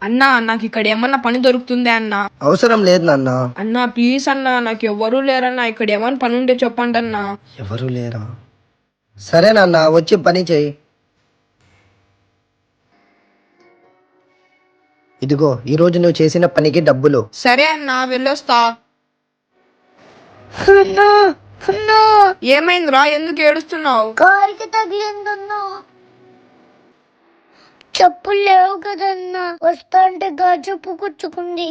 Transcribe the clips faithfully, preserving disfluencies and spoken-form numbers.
అన్నా నాకు ఇక్కడ ఏమన్నా పని దొరుకుతుందే అన్నా? అవసరం లేదు నాన్న. అన్నా ప్లీజ్ అన్నా, నాకు ఎవ్వరూ లేరన్నా, ఇక్కడ ఏమన్నా పని ఉంటే చెప్పండి అన్నా. ఎవరు లేరా? సరే నాన్న, వచ్చి పని చెయ్యి. ఇదిగో ఈ రోజు నువ్వు చేసిన పనికి డబ్బులు. సరే అన్నా, వెళ్ళొస్తా. ఏమైందిరా, ఎందుకు ఏడుస్తున్నావు? కారికి తగిలిందన్నా. చెప్పులు లేవు కదన్నా, వస్తా అంటే గాజుపు కూర్చుకుంది.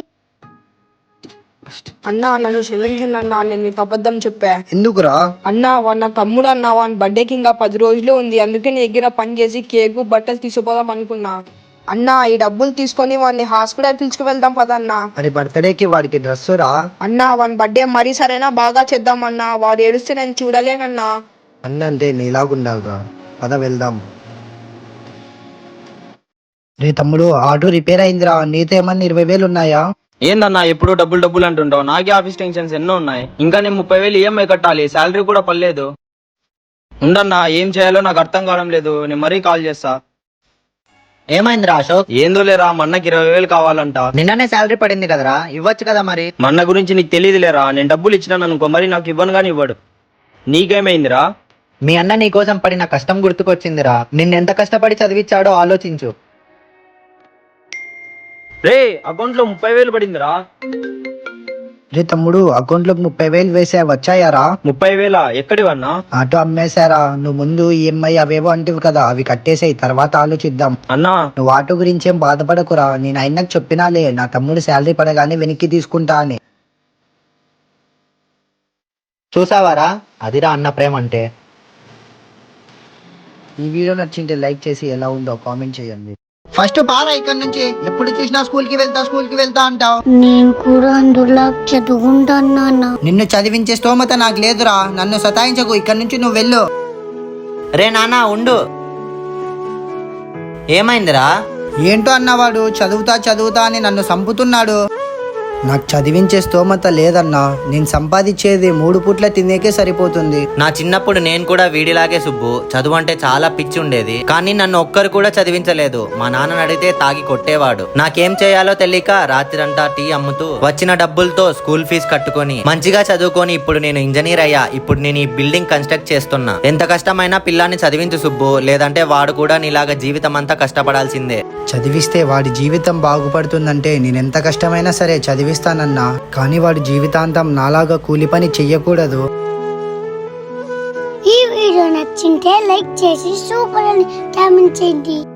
అన్నా నన్ను క్షమించండి అన్నా, నేను నీకు అబద్ధం చెప్పా. ఎందుకురా? అన్నా వాడు నా తమ్ముడు అన్నా, వాని బర్త్డేకి ఇంకా పది రోజులే ఉంది, అందుకే నీ దగ్గర పని చేసి కేకు బట్టలు తీసుకుపోదాం అనుకున్నా. అన్నా ఈ డబ్బులు తీసుకొని వాడిని హాస్పిటల్ తీసుకువెళ్దాం పదన్నా. మరి బర్త్డేకి వాడికి డ్రెస్ రా. అన్నా వాని బర్త్డే మరీ సరైనా బాగా చేద్దామన్నా, వాడు ఏడుస్తే నేను చూడలేనన్నా. అన్న అంటే నీలాగుండాలిరా. పద వెళ్దాం. రే తమ్ముడు, ఆటో రిపేర్ అయిందిరా. నీతో ఏమన్నా ఇరవై వేలు ఉన్నాయా? ఏందన్నా ఎప్పుడు డబ్బులు డబ్బులు అంటుంటావు? నాకే ఆఫీస్ టెన్షన్స్ ఎన్నో ఉన్నాయి. ఇంకా నేను ముప్పై వేలు ఈఎంఐ కట్టాలి, శాలరీ కూడా పర్లేదు. ఉండన్నా, ఏం చేయాలో నాకు అర్థం కావడం లేదు. నేను మరీ కాల్ చేస్తా. ఏమైందిరా అశోక్? ఏందో లేరా, మన్నకి ఇరవై వేలు కావాలంట. నిన్ననే శాలరీ పడింది కదరా, ఇవ్వచ్చు కదా మరి. మన్న గురించి నీకు తెలియదు లేరా, నేను డబ్బులు ఇచ్చినాను అనుకో, మరి నాకు ఇవ్వను గాని ఇవ్వడు. నీకేమైందిరా? మీ అన్న నీ కోసం పడిన కష్టం గుర్తుకొచ్చిందిరా. నిన్నెంత కష్టపడి చదివించాడో ఆలోచించు. రే అకౌంట్ లో ముప్పై వేలు పడిందిరా. రే తమ్ముడు, అకౌంట్ లోకి ముప్పై వేలు వేసా, వచ్చాయారా? ముప్పై వేల ఎక్కడివన్నా? ఆటో అమ్మేశారా. నువ్వు ముందు ఈఎంఐ అవేవో అంటివి కదా, అవి కట్టేసాయి, తర్వాత ఆలోచిద్దాం. అన్నా నువ్వు ఆటో గురించి ఏం బాధపడకురా. నేను అయినాక చెప్పినాలే, నా తమ్ముడు శాలరీ పడగానే వెనక్కి తీసుకుంటా అని. చూసావారా, అదిరా అన్న ప్రేమ అంటే. ఈ వీడియో నచ్చింటే లైక్ చేసి ఎలా ఉందో కామెంట్ చేయండి. ఫస్ట్ బాగా ఇక్కడ నుంచి. ఎప్పుడు చూసినా స్కూల్ కి వెళ్తా స్కూల్ కి వెళ్తా అంటావు. నేను కూడా అందులో చదువుకుంటాను. నిన్ను చదివించే స్తోమత నాకు లేదురా. నన్ను సతాయించకు, ఇక్కడ నుంచి నువ్వు వెళ్ళు. రే నాన్న ఉండు. ఏమైందిరా? ఏంటో అన్నవాడు చదువుతా చదువుతా అని నన్ను సంపుతున్నాడు. నాకు చదివించే స్తోమత లేదన్నా. నేను సంపాదించేది మూడు పూట్ల తినేకే సరిపోతుంది. నా చిన్నప్పుడు నేను కూడా వీడిలాగే సుబ్బు. చదువు అంటే చాలా పిచ్చి ఉండేది, కానీ నన్ను ఒక్కరు కూడా చదివించలేదు. మా నాన్నని అడిగితే తాగి కొట్టేవాడు. నాకేం చేయాలో తెలియక రాత్రంతా టీ అమ్ముతూ వచ్చిన డబ్బులతో స్కూల్ ఫీజు కట్టుకొని మంచిగా చదువుకొని ఇప్పుడు నేను ఇంజనీర్ అయ్యా. ఇప్పుడు నేను ఈ బిల్డింగ్ కన్స్ట్రక్ట్ చేస్తున్నా. ఎంత కష్టమైనా పిల్లాన్ని చదివించు సుబ్బు, లేదంటే వాడు కూడా నీలాగా జీవితం అంతా కష్టపడాల్సిందే. చదివిస్తే వాడి జీవితం బాగుపడుతుందంటే నేనెంత కష్టమైనా సరే చదివిస్తానన్నా. కానీ వాడి జీవితాంతం నాలాగా కూలి పని చెయ్యకూడదు. ఈ వీడియో నచ్చింటే లైక్ చేసి సూపర్ అని కామెంట్ చేయండి.